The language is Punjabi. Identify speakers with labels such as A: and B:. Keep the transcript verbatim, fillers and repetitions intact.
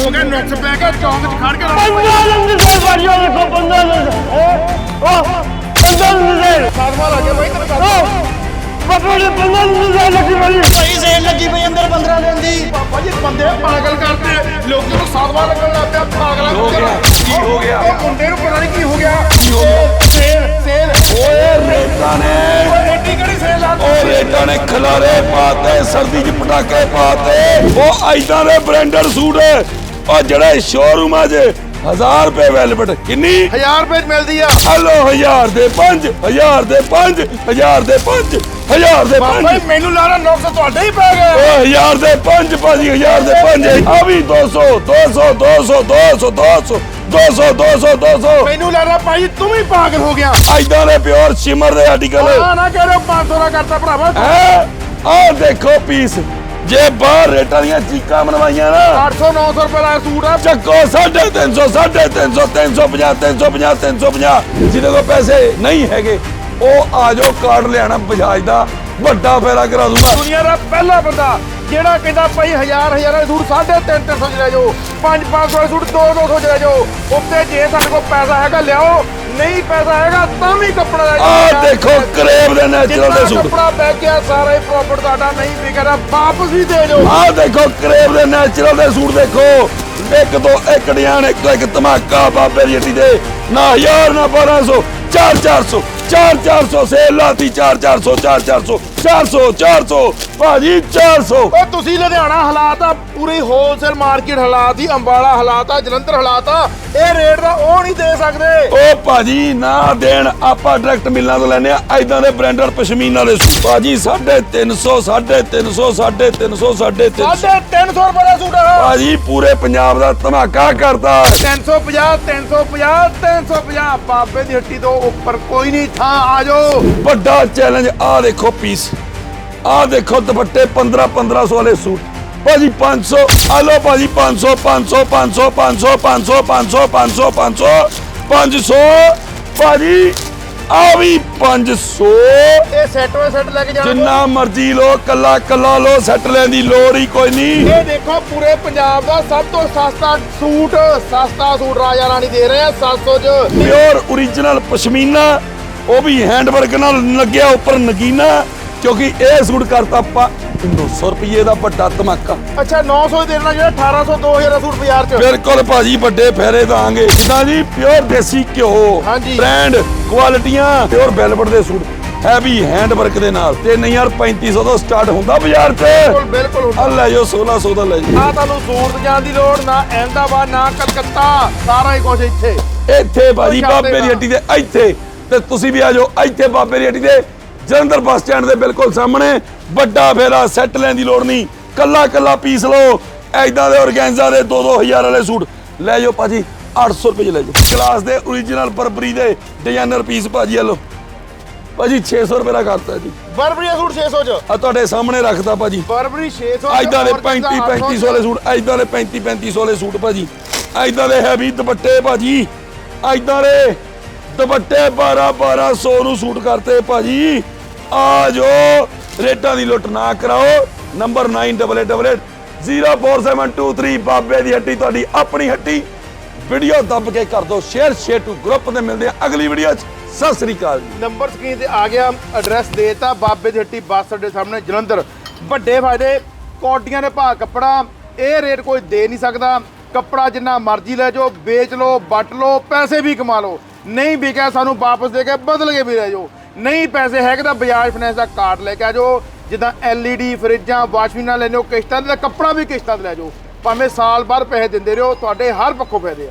A: ਹੋ ਗਿਆ ਨੁਕਸ ਪੈ ਕੇ ਚੌਂਕ 'ਚ ਖੜ ਕੇ
B: पंद्रह दिन से बढ़िया देखो पंद्रह दिन से ओ पंद्रह दिन से
A: ਸਾਧਵਾ ਲੱਗੇ ਬਾਈ ਤੈਨੂੰ
B: ओ बापू ने पंद्रह दिन से लगी बड़ी
C: ਭਾਈ ਸੇਲ ਲੱਗੀ ਪਈ ਅੰਦਰ ਪੰਦਰਾਂ ਦਿਨ ਦੀ।
A: ਪਾਪਾ ਜੀ ਬੰਦੇ ਪਾਗਲ ਕਰਦੇ ਲੋਕਾਂ ਨੂੰ ਸਾਧਵਾ ਲੱਗਣ ਲੱਗ ਪਿਆ ਪਾਗਲਾਂ
D: ਹੋ ਗਿਆ ਕੀ ਹੋ ਗਿਆ
A: ਉਹ ਮੁੰਡੇ ਨੂੰ ਪਤਾ ਨਹੀਂ ਕੀ ਹੋ ਗਿਆ
D: ਕੀ ਹੋ ਗਿਆ?
A: ਸੇਲ ਸੇਲ
D: ਓਏ ਰੇਟਾਂ ਨੇ
A: ਓਏ ਐਡੀ ਕਿਹੜੀ ਸੇਲ ਆ
D: ਓ ਰੇਟਾਂ ਨੇ ਖਲਾਰੇ ਪਾਤੇ ਸਰਦੀ 'ਚ ਪਟਾਕੇ ਪਾਤੇ ਉਹ ਐਦਾਂ ਦੇ ਬ੍ਰਾਂਡਡ ਸੂਟ ਉਹ ਜਿਹੜੇ ਸ਼ੋਰੂਮਾਂ 'ਚ ਹਜ਼ਾਰ ਰੁਪਏ ਵੈਲਵਟ ਕਿੰਨੀ
A: ਹਜ਼ਾਰ ਰੁਪਏ 'ਚ ਮਿਲਦੀ ਆ
D: ਹਲੋ ਹਜ਼ਾਰ ਦੇ ਪੰਜ ਹਜ਼ਾਰ ਦੇ ਪੰਜ ਹਜ਼ਾਰ ਦੇ ਪੰਜ ਹਜ਼ਾਰ ਦੇ
A: ਬਾਬਾ
D: ਪੰਜ
A: ਜੀ ਮੈਨੂੰ ਲੱਗਦਾ ਨੁਕਸ ਤੁਹਾਡੇ ਹੀ ਪੈ ਗਿਆ
D: ਓ ਹਜ਼ਾਰ ਦੇ ਪੰਜ ਭਾਜੀ ਹਜ਼ਾਰ ਦੇ ਪੰਜ ਆ ਵੀ ਦੋ ਸੌ ਦੋ ਸੌ ਦੋ ਸੌ ਦੋ ਸੌ ਦੋ ਸੌ ਦੋ ਸੌ ਦੋ ਸੌ ਦੋ ਸੌ
A: ਮੈਨੂੰ ਲੱਗਦਾ ਭਾਈ ਤੂੰ ਵੀ ਪਾਗਲ ਹੋ ਗਿਆ
D: ਐਦਾਂ ਦੇ ਪਿਓਰ ਸ਼ਿਮਰ ਦੇ ਆਰਟੀਕਲ
A: ਆ ਨਾ ਕਹਿ ਰਹੇ ਪੰਜ ਸੌ ਦਾ ਕਰਤਾ ਭਰਾਵਾ
D: ਹੈ ਆਹ ਦੇਖੋ ਪੀਸ ਜੇ ਬਾਹਰ ਰੇਟਾਂ ਦੀਆਂ ਚੀਕਾਂ ਮਨਵਾਈਆਂ ਨਾ
A: ਅੱਠ ਸੌ ਨੌ ਸੌ ਰੁਪਏ ਦਾ ਸੂਟ ਆ
D: ਚੱਕੋ ਸਾਢੇ ਤਿੰਨ ਸੌ ਸਾਢੇ ਤਿੰਨ ਸੌ ਤਿੰਨ ਸੌ ਪੰਜਾਹ ਤਿੰਨ ਸੌ ਪੰਜਾਹ ਤਿੰਨ ਸੌ ਪੰਜਾਹ ਜਿਹਦੇ ਕੋਲ ਪੈਸੇ ਨਹੀਂ ਹੈਗੇ ਉਹ ਆ ਜਾਓ ਕਾਰਡ ਲਿਆਣਾ ਬਜਾਜ ਦਾ ਵੱਡਾ ਫੇਰਾ ਕਰਾ ਦੂੰਗਾ
A: ਦੁਨੀਆ ਦਾ ਪਹਿਲਾ ਬੰਦਾ ਜਿਹੜਾ ਕਹਿੰਦਾ ਭਾਈ ਹਜ਼ਾਰ ਹਜ਼ਾਰਾਂ ਦੇ ਸੂਟ ਸਾਢੇ ਤਿੰਨ ਤਿੰਨ ਸੌ ਚ ਲੈ ਜਾਓ ਪੰਜ ਪੰਜ ਸੌ ਦੇ ਸੂਟ ਦੋ ਦੋ ਸੌ ਚ ਲੈ ਜਾਓ ਉੱਤੇ ਜੇ ਸਾਡੇ ਕੋਲ ਪੈਸਾ ਹੈਗਾ ਲਿਆਓ ਨਹੀਂ ਪੈਸਾ ਹੈਗਾ ਤਾਂ ਵੀ ਕੱਪੜਾ ਲੈ ਜਾਓ
D: ਆਹ ਦੇਖੋ ਕਰੇਬ ਦੇ ਨੈਚੁਰਲ ਦੇ
A: ਜਿੰਨਾ
D: ਸੂਟ
A: ਕੱਪੜਾ ਬੈ ਗਿਆ ਸਾਰਾ ਹੀ ਪ੍ਰੋਫਿਟ ਤੁਹਾਡਾ ਨਹੀਂ ਵਿਕਦਾ ਵਾਪਸ ਵੀ ਦੇ ਦਿਓ
D: ਆਹ ਦੇਖੋ ਕਰੇਬ ਦੇ ਨੈਚੁਰਲ ਦੇ ਸੂਟ ਦੇਖੋ ਇੱਕ ਤੋਂ ਇੱਕ ਡਿਜ਼ਾਈਨ ਇੱਕ ਤੋਂ ਇੱਕ ਧਮਾਕਾ ਬਾਬੇ ਦੀ ਹੱਟੀ ਦੇ ਨਾ ਹਜ਼ਾਰ ਨਾ ਬਾਰਾਂ ਸੌ ਚਾਰ ਚਾਰ ਸੌ ਚਾਰ ਚਾਰ ਸੌ ਸੇਲ ਲਾਤੀ ਚਾਰ ਚਾਰ ਸੌ ਚਾਰ ਚਾਰ ਸੌ ਚਾਰ ਸੌ ਚਾਰ ਸੌ ਭਾਜੀ ਚਾਰ ਸੌ
A: ਓ ਤੁਸੀਂ ਲੁਧਿਆਣਾ ਹਾਲਾਤ ਆ ਪੂਰੀ ਹੋਲਸੇਲ ਮਾਰਕੀਟ ਹਾਲਾਤ ਹੀ ਅੰਬਾਲਾ ਹਾਲਾਤ ਆ ਜਲੰਧਰ ਹਾਲਾਤ ਆ ਇਹ ਰੇਟ ਦਾ ਉਹ ਨਹੀਂ ਦੇ ਸਕਦੇ
D: ਓ ਭਾਜੀ ਨਾ ਦੇਣ ਆਪਾਂ ਡਾਇਰੈਕਟ ਮਿਲਾਂ ਤੋਂ ਲੈਨੇ ਆ ਐਦਾਂ ਦੇ ਬ੍ਰਾਂਡਡ ਪਸ਼ਮੀਨਾ ਦੇ ਸੂਟ ਭਾਜੀ ਸਾਢੇ ਤਿੰਨ ਸੌ ਸਾਢੇ ਤਿੰਨ ਸੌ ਸਾਢੇ ਤਿੰਨ ਸੌ ਸਾਢੇ ਤਿੰਨ ਸੌ
A: ਸਾਢੇ ਤਿੰਨ ਸੌ ਰੁਪਏ ਦਾ ਸੂਟ ਆ
D: ਭਾਜੀ ਪੂਰੇ ਪੰਜਾਬ ਦਾ ਧਮਾਕਾ ਕਰਤਾ
A: ਤਿੰਨ ਸੌ ਪੰਜਾਹ ਤਿੰਨ ਸੌ ਪੰਜਾਹ ਤਿੰਨ ਸੌ ਪੰਜਾਹ ਬਾਬੇ ਦੀ ਹੱਟੀ ਤੋਂ ਉੱਪਰ ਕੋਈ ਨਹੀਂ ਥਾਂ ਆ ਜਾਓ
D: ਵੱਡਾ ਚੈਲੰਜ ਆ ਦੇਖੋ ਪੀਸ ਆ ਦੇਖੋ ਦੁਪੱਟੇ ਪੰਦਰਾਂ ਪੰਦਰਾਂ ਸੌ ਵਾਲੇ ਸੂਟ ਭਾਜੀ ਪੰਜ ਸੌ ਆ ਲੋ ਭਾਜੀ ਪੰਜ ਸੌ ਪੰਜ ਸੌ ਪੰਜ ਸੌ ਪੰਜ ਸੌ ਪੰਜ ਸੌ ਪੰਜ ਸੌ ਪੰਜ ਸੌ ਪੰਜ ਸੌ ਪੰਜ ਸੌ ਭਾਜੀ ਆ ਵੀ ਪੰਜ ਸੌ
A: ਇਹ ਸੈੱਟ ਵੇ ਸੈੱਟ ਲੈ ਕੇ ਜਾਣਾ
D: ਜਿੰਨਾ ਮਰਜ਼ੀ ਲੋ ਕੱਲਾ ਕੱਲਾ ਲੋ ਸੈੱਟ ਲੈਣ ਦੀ ਲੋੜ ਹੀ ਕੋਈ ਨਹੀਂ
A: ਇਹ ਦੇਖੋ ਪੂਰੇ ਪੰਜਾਬ ਦਾ ਸਭ ਤੋਂ ਸਸਤਾ ਸੂਟ ਸਸਤਾ ਸੂਟ ਰਾਜਾ ਰਾਣੀ ਦੇ ਰਹੇ ਆ ਸੱਤ ਸੌ ਚ
D: ਪਿਓਰ ਓਰੀਜਨਲ ਪਸ਼ਮੀਨਾ ਉਹ ਵੀ ਹੈਂਡਵਰਕ ਨਾਲ ਲੱਗਿਆ ਉੱਪਰ ਨਗੀਨਾ ਕਿਉਂਕਿ ਇਹ ਸੂਟ ਕਰਤਾ ਆਪਾਂ ਨੌ ਸੌ ਰੁਪਏ ਦਾ ਵੱਡਾ ਧਮਾਕਾ
A: ਅੱਛਾ ਨੌ ਸੌ ਦੇਣਾ ਜਿਹੜਾ ਅਠਾਰਾਂ ਸੌ ਦੋ ਹਜ਼ਾਰ ਦਾ ਸੂਟ ਬਾਜ਼ਾਰ ਚ
D: ਬਿਲਕੁਲ ਭਾਜੀ ਵੱਡੇ ਫੇਰੇ ਦਾਂਗੇ ਜਿੱਦਾਂ ਜੀ ਪਿਓਰ ਦੇਸੀ ਘਿਓ
A: ਹਾਂਜੀ।
D: ਬ੍ਰਾਂਡ ਕੁਆਲਿਟੀਆਂ ਪਿਓਰ ਵੈਲਵਟ ਦੇ ਸੂਟ ਹੈਵੀ ਹੈਂਡਵਰਕ ਦੇ ਨਾਲ ਤੇ ਨਹੀਂ ਯਾਰ ਪੈਂਤੀ ਸੌ ਤੋਂ ਸਟਾਰਟ ਹੁੰਦਾ ਬਾਜ਼ਾਰ 'ਚ
A: ਬਿਲਕੁਲ ਬਿਲਕੁਲ
D: ਆ ਲੈ ਜਾਓ ਸੋਲਾਂ ਸੌ ਦਾ ਲੈ ਜਾਓ
A: ਆ ਤੁਹਾਨੂੰ ਸੂਰਤ ਜਾਣ ਦੀ ਲੋੜ ਨਾ ਅਹਿਮਦਾਬਾਦ ਨਾ ਕਲਕੱਤਾ ਸਾਰਾ ਹੀ ਕੁਝ ਇੱਥੇ
D: ਇੱਥੇ ਭਾਜੀ
A: ਕੋਈ
D: ਬਾਬੇ ਦੀ
A: ਜਾਂਦੇ
D: ਹੱਟੀ ਦੇ ਇੱਥੇ ਤੇ ਤੁਸੀਂ ਵੀ ਆ ਜਾਓ ਇੱਥੇ ਬਾਬੇ ਦੀ ਹੱਟੀ ਦੇ ਜਲੰਧਰ ਬੱਸ ਸਟੈਂਡ ਦੇ ਬਿਲਕੁਲ ਸਾਹਮਣੇ ਵੱਡਾ ਫੇਰਾ ਸੈੱਟ ਲੈਣ ਦੀ ਲੋੜ ਨਹੀਂ ਕੱਲਾ ਕੱਲਾ ਪੀਸ ਲਓ ਐਦਾਂ ਦੇ ਔਰਗੈਂਜ਼ਾ ਦੇ ਦੋ ਦੋ ਹਜ਼ਾਰ ਵਾਲੇ ਸੂਟ ਲੈ ਜਾਓ ਭਾਜੀ ਅੱਠ ਸੌ ਰੁਪਏ ਚ ਲੈ ਜਾਓ ਕਲਾਸ ਦੇ ਓਰੀਜਨਲ ਬਰਬਰੀ ਦੇ ਡਿਜ਼ਾਈਨਰ ਪੀਸ ਭਾਜੀ ਆ ਲਓ ਭਾਜੀ ਛੇ ਸੌ ਰੁਪਏ ਦਾ ਕਰਤਾ ਜੀ
A: ਬਰਬਰੀ ਦਾ ਸੂਟ ਛੇ ਸੌ ਚ
D: ਆ ਤੁਹਾਡੇ ਸਾਹਮਣੇ ਰੱਖਤਾ ਭਾਜੀ
A: ਬਰਬਰੀ ਛੇ ਸੌ
D: ਐਦਾਂ ਦੇ ਪੈਂਤੀ ਪੈਂਤੀ ਸੌ ਵਾਲੇ ਸੂਟ ਐਦਾਂ ਦੇ ਪੈਂਤੀ ਪੈਂਤੀ ਸੌ ਵਾਲੇ ਸੂਟ ਭਾਜੀ ਐਦਾਂ ਦੇ ਹੈਵੀ ਦੁਪੱਟੇ ਭਾਜੀ ਐਦਾਂ ਦੇ ਦੁਪੱਟੇ ਬਾਰਾਂ ਬਾਰਾਂ ਸੌ ਨੂੰ ਸੂਟ ਕਰਤੇ ਭਾਜੀ ਆ ਜੋ ਰੇਟਾਂ ਦੀ ਲੁੱਟ ਨਾ ਕਰਾਓ ਨੰਬਰ ਨੌਂ ਅੱਠ ਅੱਠ ਅੱਠ ਜ਼ੀਰੋ ਚਾਰ ਸੱਤ ਦੋ ਤਿੰਨ ਬਾਬੇ ਦੀ ਹੱਟੀ ਤੁਹਾਡੀ ਆਪਣੀ ਹੱਟੀ ਵੀਡੀਓ ਦੱਬ ਕੇ ਕਰ ਦਿਓ ਸ਼ੇਅਰ ਸ਼ੇਅਰ ਟੂ ਗਰੁੱਪ ਤੇ ਮਿਲਦੇ ਆ ਅਗਲੀ ਵੀਡੀਓ 'ਚ ਸਤਿ ਸ੍ਰੀ ਅਕਾਲ ਜੀ
A: ਨੰਬਰ ਸਕਰੀਨ ਤੇ ਆ ਗਿਆ ਐਡਰੈਸ ਦੇਤਾ ਬਾਬੇ ਦੀ ਹੱਟੀ ਬੱਸ ਅੱਡੇ ਸਾਹਮਣੇ ਜਲੰਧਰ ਵੱਡੇ ਫਾਇਦੇ ਕੋਟੀਆਂ ਦੇ ਭਾਅ ਕੱਪੜਾ ਇਹ ਰੇਟ ਕੋਈ ਦੇ ਨਹੀਂ ਸਕਦਾ ਕੱਪੜਾ ਜਿੰਨਾ ਮਰਜ਼ੀ ਲੈ ਜਾਓ ਵੇਚ ਲਓ ਵੱਟ ਲਓ ਪੈਸੇ ਵੀ ਕਮਾ ਲਓ ਨਹੀਂ ਵਿਕਿਆ ਸਾਨੂੰ ਵਾਪਸ ਦੇ ਕੇ ਬਦਲ ਕੇ ਵੀ ਲੈ ਜਾਓ ਨਹੀਂ ਪੈਸੇ ਹੈਗੇ ਤਾਂ ਬਜਾਜ ਫਾਈਨੈਂਸ ਦਾ ਕਾਰਡ ਲੈ ਕੇ ਆ ਜਾਓ ਜਿੱਦਾਂ ਐਲ ਈ ਡੀ ਫਰਿੱਜਾਂ ਵਾਸ਼ਿੰਗ ਮਸ਼ੀਨਾਂ ਲੈਣੇ ਹੋ ਕਿਸ਼ਤਾਂ ਤੇ ਕੱਪੜਾ ਵੀ ਕਿਸ਼ਤਾਂ ਤੇ ਲੈ ਜਾਓ ਭਾਵੇਂ ਸਾਲ ਬਾਅਦ ਪੈਸੇ ਦਿੰਦੇ ਰਹੋ ਤੁਹਾਡੇ ਹਰ ਪੱਖੋਂ ਫਾਇਦੇ ਆ